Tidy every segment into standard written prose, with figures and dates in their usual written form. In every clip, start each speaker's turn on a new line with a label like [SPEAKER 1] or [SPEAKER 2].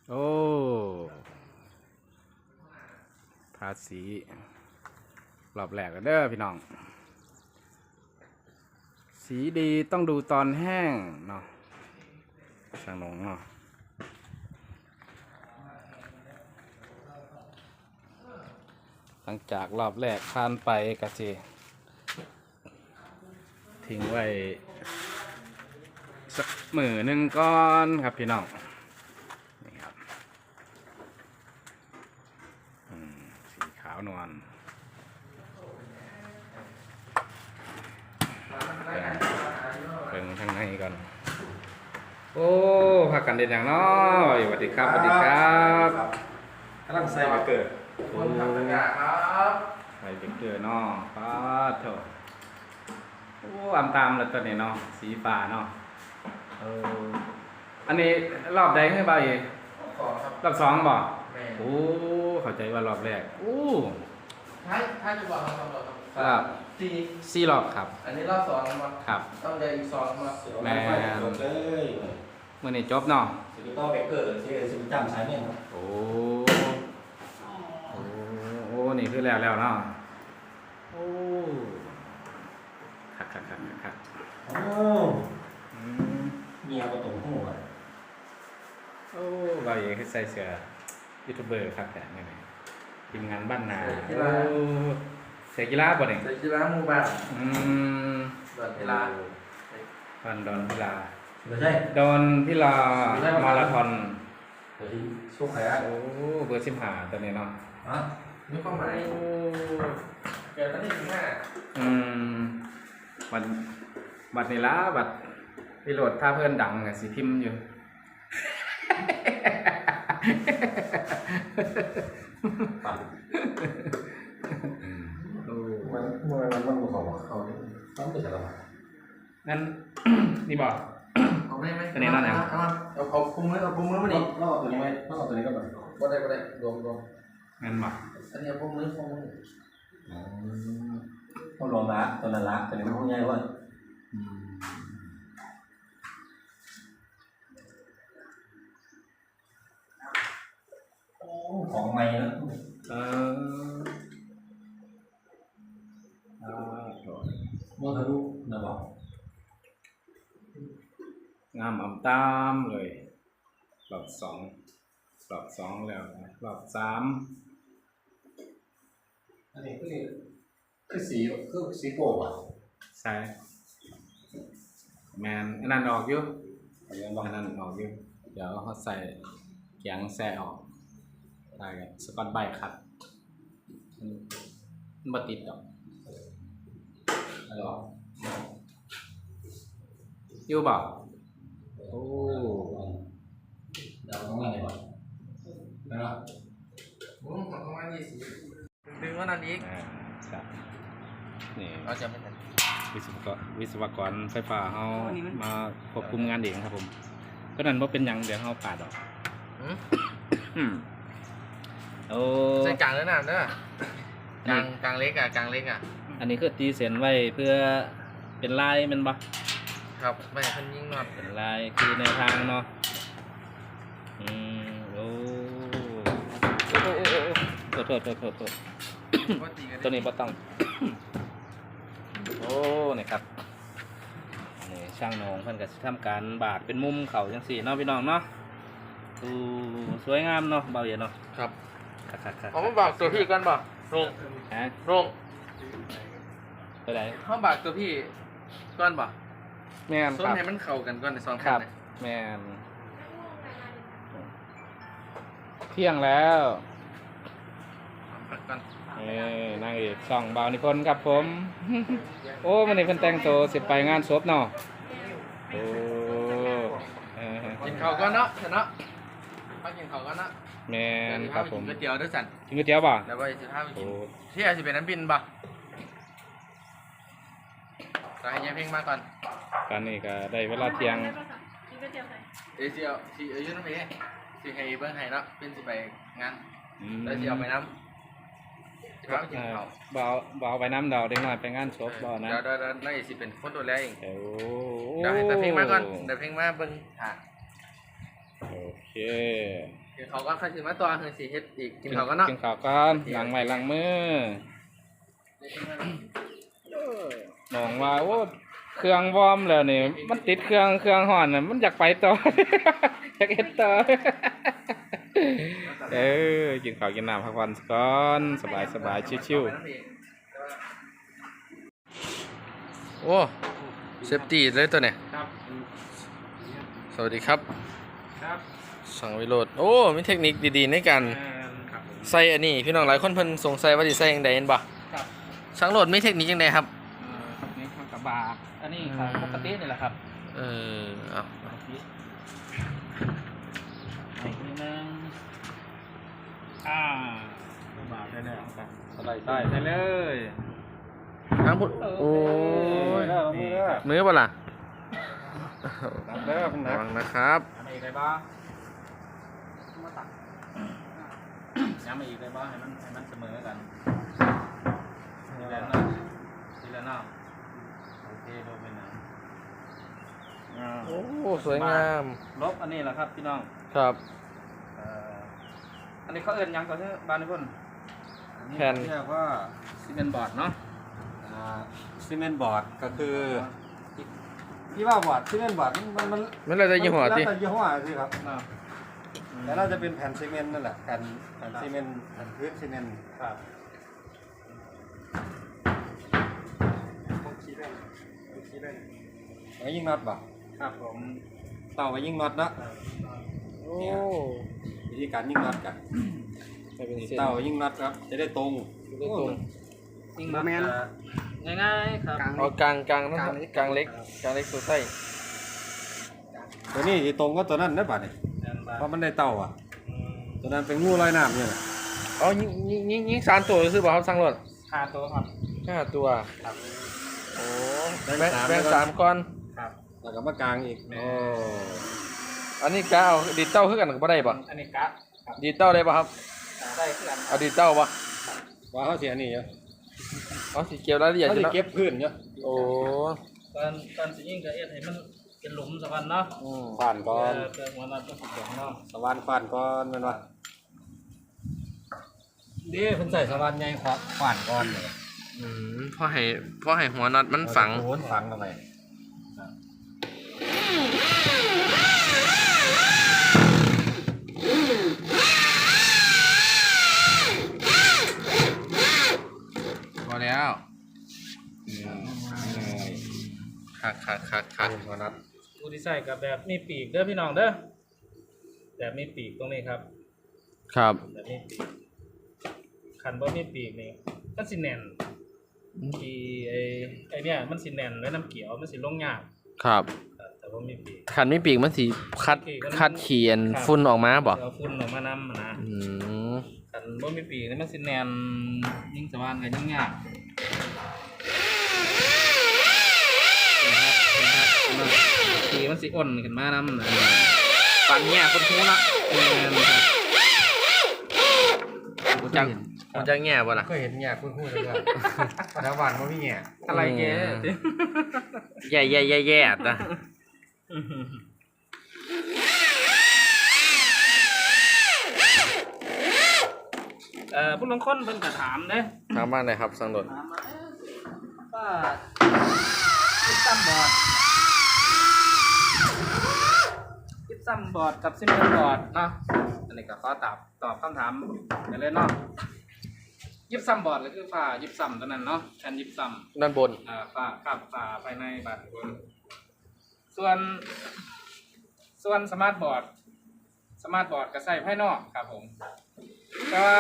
[SPEAKER 1] โอ้ภาษีรอบแรกกันเด้อพี่น้องสีดีต้องดูตอนแห้งเนาะช่างหนงเนาะหลังจากรอบแรกผ่านไปกะจีทิ้งไว้สักมือหนึ่งก่อนครับพี่น้องนี่ครับสีขาวนวลเบิ่งทางในก่อนโอ้พักกันเด็ดอย่างน้อยสวัสดีครับสวัสดีครับ
[SPEAKER 2] กำลังใส่มาเกิด
[SPEAKER 1] คนทำงานครับใส่เด็กเกิดเนาะป้าเถอะโอ้อำตามเลยตัวนี้เนาะสีฟ้าเนาะอันนี้รอบใดให้บ่าวอีกรอบสองบ่โอ้เข้าใจว่ารอบแรกโอ้
[SPEAKER 3] ถ้าจะบอก
[SPEAKER 1] ครับ
[SPEAKER 3] 4
[SPEAKER 1] 4รอบครับ
[SPEAKER 3] อันนี้รอบ2แล้วมั้ง
[SPEAKER 1] ครับ
[SPEAKER 3] ต้องเดินอีก2มา
[SPEAKER 1] แม่
[SPEAKER 2] จบเลย
[SPEAKER 1] มื้อนี้จบเนาะ
[SPEAKER 2] สิริโต้เบเกอร์ที่สิริจำสายเนี่ยครับ
[SPEAKER 1] โอ้นี่คือแล้วเนาะโอ้คัก
[SPEAKER 2] โอ้เมียก็ตรงหัว
[SPEAKER 1] โอ้บ่าวอีกคือใส่เสื้อยูทูบเบอร์ครับแต่นี่ทีมงานบ้านนาเสกกีฬาบ่เนี่ย
[SPEAKER 3] เสกกีฬาหมู่บ้านดอนกีฬา
[SPEAKER 1] ดอนพิลา
[SPEAKER 2] ไม่ใช่
[SPEAKER 1] ดอนพิลามาราธอน
[SPEAKER 2] เดี๋ยวที่ช่วงไหนอ่ะ
[SPEAKER 1] โอ้เบอร์15ตัวนี้เนาะ
[SPEAKER 3] นี่ความหมายเกิดวันที่15
[SPEAKER 1] บัตรนี่ละบัตรพิโรดถ้าเพื่อนดังไงสิพิมพ์อยู่
[SPEAKER 2] ปั่นมันบอกว่าเขาต้องเป็นอะไร
[SPEAKER 1] งั้นนี่บอก
[SPEAKER 3] เอาไม่
[SPEAKER 1] ตัวนี้นั่นเอง
[SPEAKER 3] เอาคุมมือมาดิ
[SPEAKER 2] ต้องเอาตัวนี้ไหมต้องเอาตัวนี้ก็แบบ
[SPEAKER 3] ก็ได้รวม
[SPEAKER 1] งั้นบอก
[SPEAKER 3] อันนี้คุมมือ
[SPEAKER 2] ต้องรวมละตัวนั้นละตัวนี้มันง่ายว่าของใหม่แล้วโมทะลุนะบอก
[SPEAKER 1] งามอ่ำตามเลยรอบ2แล้วนะรอบ3
[SPEAKER 2] อันนี้คือสีโป่งอ่ะ
[SPEAKER 1] ใช่แมนอันนั้นออกอยู่อันนั้นออกอยู่เดี๋ยวเขาใส่เกียงแซ่ออกได้กันสกอตไบคัดมันบ่ติดดอก
[SPEAKER 2] อะไรหรอ
[SPEAKER 1] อยู่บ่โอ้
[SPEAKER 2] เดี๋ยวต้องอะไรก่อนนะครับ
[SPEAKER 3] ประมาณ20ดึงว่านั้นอีก
[SPEAKER 1] ครับนี่
[SPEAKER 3] เราจะไม่ทัน
[SPEAKER 1] วิศวกรไฟฟ้าเขามาควบคุมงานเองครับผมก็นั่นว่าเป็นยังเดี๋ยวเขาปาดออกโอ้
[SPEAKER 3] ใส่กลางแล้วนะกลางเล็กอ่ะ
[SPEAKER 1] อันนี้คือตีเส้นไว้เพื่อเป็นลายมันบ่
[SPEAKER 3] ครับไม่ให้คนยิงน็อต
[SPEAKER 1] เป็นลายคือในทางเนาะโอ้โทษตัวนี้บ่ต้องโอ้นี่ครับนี่ช่างนงเพิ่นก็สิทำการบาดเป็นมุมเข่าจังซี่เนาะพี่น้องเนาะสวยงามเนาะเบาเย็นเนาะ
[SPEAKER 3] ครับ
[SPEAKER 1] ครับ
[SPEAKER 3] เอามาบากตัวพี่กันบ่ลง
[SPEAKER 1] ไปไหน
[SPEAKER 3] เขาบากตัวพี่ก้อนบ่
[SPEAKER 1] แม่น
[SPEAKER 3] ครับให้มันเข้ากันก่อนใน2
[SPEAKER 1] ครับแม่นเที่ยงแล้วนางเอกช่องบ่าวนิพนธ์ครับผมโอ้วันนี้เพิ่นแต่งตัวสิไปงานศพเนาะโอ้
[SPEAKER 3] กินข้าวก่อนเนาะเนาะมากินข้าวก่อนเนาะ
[SPEAKER 1] แม่นครับผม
[SPEAKER 3] กินก๋วยเตี๋ยวด้วยสั่น
[SPEAKER 1] กินก๋วยเตี๋ยวบ่
[SPEAKER 3] แล้วก็จะพาไปกินที่อาจจะเป็นน้ำบินบ่ก็ให้ยายเพ่งมาก่อน
[SPEAKER 1] ตอนนี้ก็ได้เวลาเที่ยง
[SPEAKER 3] เดี๋ยวยืนน้ำเอ๋สิให้เบิ้งให้เนาะเป็นสิไปงานแล้วสิเอาไปน้ำ
[SPEAKER 1] บ่าวไปน้ำดาวเด็กน้อยไปงานศพบ่นะ
[SPEAKER 3] เดี๋ยวน่าจะสิเป็นคนตัวแรกเองเดี๋ยวให้แต่เพ่งมาก่อนเดี๋ยวเพ่งมาเบิ้งหา
[SPEAKER 1] โอเคเค
[SPEAKER 3] เดี๋ยวเขาก็ค่อยสิมาตัวคือสิเฮ็ดอีกกินเขาวก็เนาะ
[SPEAKER 1] กินข้าวกันล้างไม้ล้างมือมองว่าโอ้เครื่องวอร์มแล้วนี่มันติดเครื่องห่อนน่ะมันอยากไปต่อ อยากเฮ็ดต่อ กินข้าวกินน้ำพักผ่อนก่อนสบายชิวๆ
[SPEAKER 3] โอ้เซฟตี้เลยตัวเนี่ย
[SPEAKER 1] ครับ
[SPEAKER 3] สวัสดีครับ
[SPEAKER 1] ครับ
[SPEAKER 3] สังวิโรจน์โอ้มีเทคนิคดีๆในการ
[SPEAKER 1] ครับผม
[SPEAKER 3] ใส่อันนี้พี่น้องหลายคนเพิ่นสงสัยว่าสิใส่จังได๋เห็นบ่
[SPEAKER 1] ครับ
[SPEAKER 3] ช่างโหลดมีเทคนิคจังได๋ครับ
[SPEAKER 1] นี่ข้าวกับบาอันนี้ของปกตินี่แหละครับ
[SPEAKER 3] เอา
[SPEAKER 1] อีกนิดนึงบาได้แล้วครับสไลด์ได้เลย
[SPEAKER 3] ทางพุทธโอ้ย
[SPEAKER 1] นี่ครับ
[SPEAKER 3] มือบ่ล่ะ
[SPEAKER 1] นับเด้อคุณ
[SPEAKER 3] ระ
[SPEAKER 1] นับ
[SPEAKER 3] วังนะครับ
[SPEAKER 1] ย้ำมาอีกได้บ้างมาตักย้ำมาอีกได้บ้างให้มันเสมอกันทีละหน้าทีละหน้าโอเคดูเป็นหนัง
[SPEAKER 3] โอ้สวยงาม
[SPEAKER 1] ลบอันนี้แหละครับพี่น้อง
[SPEAKER 3] ครับ
[SPEAKER 1] อันนี้เขาเอิ้นหยังก่อนเถอะบ้านนี่พุ่น
[SPEAKER 3] แผ่น
[SPEAKER 1] เรียกว่าซีเมนต์บอร์ดเนาะ
[SPEAKER 2] ซีเมนต์บอร์ดก็คือพี่ว่าบอร์ดซีเมนต์บอร์ดมัน
[SPEAKER 3] ไม่เลยจะยี่ห้อ
[SPEAKER 2] แล้ว
[SPEAKER 3] ติ
[SPEAKER 2] แต่ยี่ห้อสิครับ
[SPEAKER 1] เนาะ
[SPEAKER 2] แต่น่าจะเป็นแผ่นซีเมนต์นั่นแหละแผ่นซีเมนต์แผ่นพื้นซีเมนต์
[SPEAKER 1] ครับ
[SPEAKER 2] ไว้ยิงน็อตบ่
[SPEAKER 1] ครับผม
[SPEAKER 2] เต่าไว้ยิงน็อตเนาะ
[SPEAKER 3] โอ้
[SPEAKER 2] วิธีการยิงน็อตกัน
[SPEAKER 3] ให้เป็นเส้น
[SPEAKER 2] เต่ายิงน็อตครับจะได้ตรง
[SPEAKER 3] ได้ตรง
[SPEAKER 1] ยิงมาแมนง่ายๆครับ
[SPEAKER 3] เอากลางกลางเล็กตัวใต้
[SPEAKER 2] ตัวนี้ที่ตรงก็ตัวนั้นนะบัดนี่เพราะมันได้เต่าอ่ะตัวนั้นเป็นงูลอยน้ำเนี่ยแหละ
[SPEAKER 3] อ๋อยิงสามตัวซื้อบ่ครับสั่งรถ
[SPEAKER 1] 5 ตัวครับ
[SPEAKER 3] 5ตัว
[SPEAKER 1] ครับ
[SPEAKER 3] โอ้แบ่งสามก้อน
[SPEAKER 1] ครับ
[SPEAKER 2] แล้วก็มากลางอีก
[SPEAKER 3] โอ้อันนี้กะเอาดีดเต้าคือกันก็บ่ได้บ่
[SPEAKER 1] อันนี้กะครับ
[SPEAKER 3] ดีดเต้าได้บ่ครับ
[SPEAKER 1] ได้คือกัน
[SPEAKER 3] เอาดีดเต้าบ่
[SPEAKER 2] ว่าเขาเสียนี่เยอะ
[SPEAKER 3] เอาสิเกี่ยวรายละเอียด
[SPEAKER 2] เขา
[SPEAKER 3] อยู่
[SPEAKER 2] จะ
[SPEAKER 3] เนาะ
[SPEAKER 2] เก็บพื้นเยอะ
[SPEAKER 3] โอ้
[SPEAKER 1] การสิยิงก็เอ็ดให้มันเป็นหลุมสักวันเนาะ
[SPEAKER 2] ผ่านก่อน
[SPEAKER 1] เพื่อหัวนัดก็สิเนาะ
[SPEAKER 2] สว่านผ่านก่อนแมันว่าดีเพิ่นใส่สว่านใหญ่ผ่านก่อนเลย
[SPEAKER 3] พอให้หัวน็อตมันฝัง
[SPEAKER 2] โอนฝังเข้าไป
[SPEAKER 3] พอแล้วคัก
[SPEAKER 2] หัวนัด
[SPEAKER 1] ผู้ที่ใส่กับแบบมีปีกเด้อพี่น้องเด้อแบบมีปีกตรงนี้ครับ
[SPEAKER 3] ครับ
[SPEAKER 1] แบบมีปีกคันบ่มีปีกนี่มันสิแน่นที่ไอ้เนี่ยมันสิแน่นแล้วน้ำเกี่ยวมันสิลงยาก
[SPEAKER 3] ครับ
[SPEAKER 1] แต่บ่มีปีก
[SPEAKER 3] คันไม่ปีกมันสิคัดเขียนฝุ่นออกมาบ่
[SPEAKER 1] เอาฝุ่นออกมานำนะ
[SPEAKER 3] อืม
[SPEAKER 1] คันบ่มีปีกนี่มันสิแน่นยิ่งสว่านก็ยิ่งยากปีกมันสิอ่อนขึ้นมานำนะปันแง่คนหูนะ
[SPEAKER 3] มันจะแง่บ่ล่ะ
[SPEAKER 2] ก็เห็นแง่คุ้นๆเลยว่าแถวบ้านบ่มีแง่
[SPEAKER 1] อะไรแก
[SPEAKER 3] แย่ๆๆนะ
[SPEAKER 1] ผู้ลงคนเพิ่นก็ถามเด้
[SPEAKER 3] ทางบ้านไหนครับสังโดด
[SPEAKER 1] ถามมาว่าคิดซ้ำบอร์ดกับซิมเมอร์บอร์ดเนาะอันนี้ก็ขอตอบคำถามไปเลยเนาะยิบซ้ำบอร์ดก็คือฝ้ายิบซ้ำตัวนั้นเนาะแผ่นยิบซ้ำ
[SPEAKER 3] ด้านบน
[SPEAKER 1] ฝ้าครับฝ้าภายในบาดบนส่วนสมาร์ทบอร์ดก็ใส่ภายนอกครับผมแต่ว่า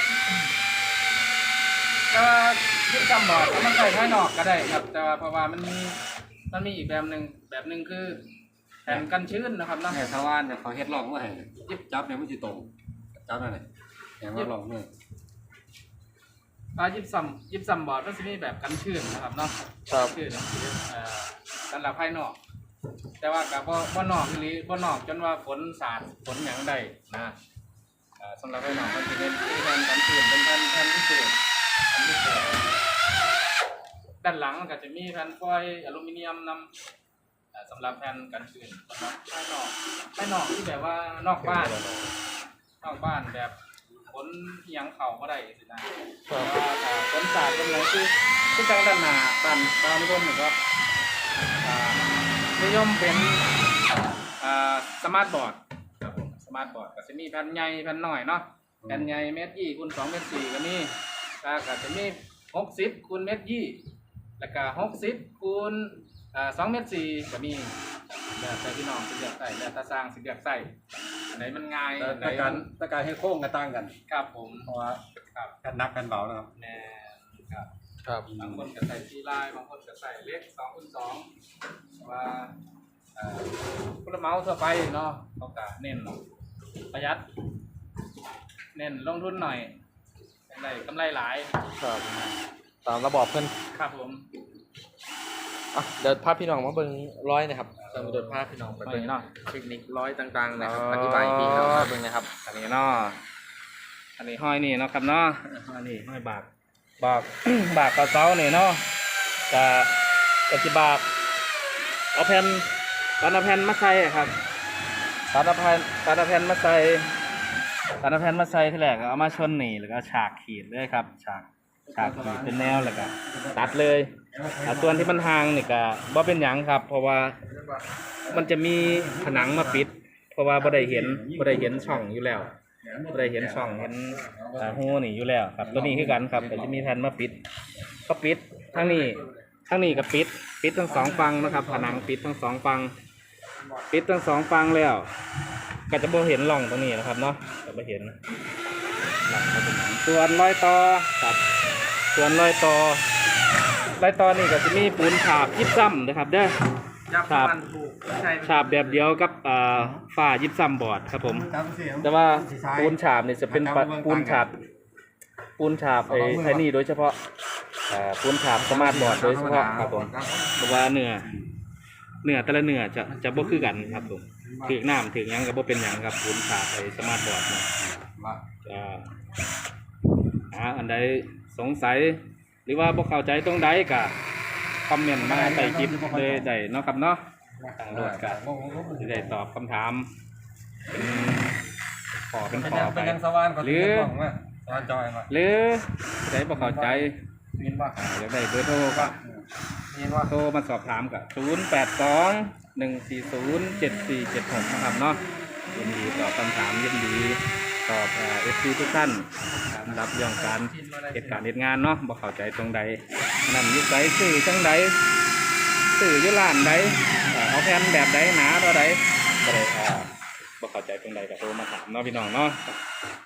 [SPEAKER 1] ยิบซ้ำบอร์ดมันใส่ภายนอกก็ได้ครับ แต่ว่าเพราะว่ามันมีอีกแบบหนึ่งคือแผ่นกันชื้นนะครับเนาะ
[SPEAKER 2] แง่สว่านเนี่ยเขาเฮ็ดร่องมาให้ยิบจับเนี่ยมันสิตรงจับนั่นแหละแง่ว่าร่องนี่
[SPEAKER 1] ยิบซ้ำบอร์ดมันจะมีแบบกันชื้นนะครับเนาะ
[SPEAKER 3] ครับ
[SPEAKER 1] ชื้นสำหรับภายนอก แต่ว่ากับบ่นอกหรือบ่นอกจนว่าฝนสาดฝนหยังได้นะสำหรับภายนอกมันจะเป็นแผ่นกันชื้นเป็นแผ่นพิเศษด้านหลังมันก็จะมีแผ่นฟอยล์อลูมิเนียมนสำหรับแผ่นกันชื้นสำหรับภายนอกที่แบบว่านอกบ้านแบบขนเอียงเข่าก็ได้สินะแต่ว่าถ้าขนสาดเป็นไรคือจังด้านหน้าบ้านดาวนิพนธ์นี่ก็นิยมเป็นสมาร์ทบอร์ดครับผมสมาร์ทบอร์ดก็จะมีแผ่นใหญ่แผ่นน้อยเนาะแผ่นใหญ่เมตรคูณ2เมตร4ก็มีก็จะมี60คูณเมตรแล้วก็60คูณ2เมตร4ก็มีแล้วแต่พี่น้องสิเลือกใส่แล้วแต่สร้างสิเลือกใส่อันไหนมันง่ายอันไหน
[SPEAKER 2] แต่การให้โค้งก็ต่างกัน
[SPEAKER 1] ครับผม
[SPEAKER 2] เพราะว่า
[SPEAKER 1] ครับ
[SPEAKER 2] กันหนักกันเบานะครับ
[SPEAKER 1] แน่ครับ
[SPEAKER 3] ครับ
[SPEAKER 1] บางคนก็ใส่ทีลายบางคนก็ใส่เล็ก2คูณ2ว่าผู้รับเหมาทั่วไปเนาะเขาก็เน้นประหยัดเน้นลงทุนหน่อยได้กำไรหลาย
[SPEAKER 3] ครับตามระบอบเพิ่น
[SPEAKER 1] ครับผม
[SPEAKER 3] เดี๋ยวพาพี่น้องมาเบิ่งร้อยนะครับสมุดพาพี่น้องไปเบิ่ง
[SPEAKER 1] เนาะ
[SPEAKER 3] เทคนิคร้อยต่างๆนะครับ
[SPEAKER 1] อ๋ออ
[SPEAKER 3] อธิบายให้พี่น้องมาเบิ่งนะครับ
[SPEAKER 1] อันนี้เนาะอันนี้ห้อยนี่เนาะครับเนาะอันนี้ห้อยบาก บากกับเสาเนี่ยเนาะจะบากเอาแผ่นตัดเอาแผ่นมาใส่ครับตัดเอาแผ่นมาใส่ที่แรกเอามาชนนี่แล้วก็ฉากขีดเลยครับฉากขีดเป็นแนวแล้วก็ตัดเลยส่วนที่มันห่างนี่ก็บ่เป็นหยังครับ เพราะว่ามันจะมีผนังมาปิด เพราะว่าบ่ได้เห็นช่องอยู่แล้วบ่ได้เห็นช่องเห็นหูนี่อยู่แล้วครับตัวนี้คือกันครับก็จะมีแผ่นมาปิดก็ปิดทั้งนี้ก็ปิดทั้งสองฝั่งนะครับผนังปิดทั้งสองฝั่งแล้วก็จะบ่เห็นร่องตรงนี้นะครับเนาะจะบ่เห็นร่องเป็นส่วนรอยต่อครับส่วนรอยต่อนี่ก็จะมีปูนฉาบยิบซ้ำนะครับเด้อฉาบแบบเดียวกับฝ้ายิบซ้ำบอร์ดครับผมแต่ว่าปูนฉาบนี่จะเป็นปูนฉาบไอ้นี่โดยเฉพาะปูนฉาบสมาร์ทบอร์ดโดยเฉพาะครับผมเพราะว่าเนื้อแต่ละเนื้อจะบ่คือกันครับผมถึงน้ำถึงหยังก็บ่เป็นหยังครับปูนฉาบไอ้สมาร์ทบอร์ดเนี่ยอันใดสงสัยหรือว่าบ่เข้าใจตรงใดก็คอมเมนต์มาใต้คลิปเลยได้เนาะครับเนาะทางโหลดก็จะได้ตอบคำถามเป็นขอไปหรือได้บ่เข้าใจอยากได้เบอร์โทรก็โทรมาสอบถามกับ0821407476นะครับเนาะยินดีตอบคำถามยินดีตอบFC ทุกท่านรับเรื่องการเหตุการณ์เหตุงานเนาะบ่เข้าใจตรงใดนั่นนิสัยสื่อจังใดสื่ออยู่ร้านใดเอาแผ่นแบบใดหนาเท่าใดก็ได้บ่เข้าใจตรงใดก็โทรมาถามเนาะพี่น้องเนาะ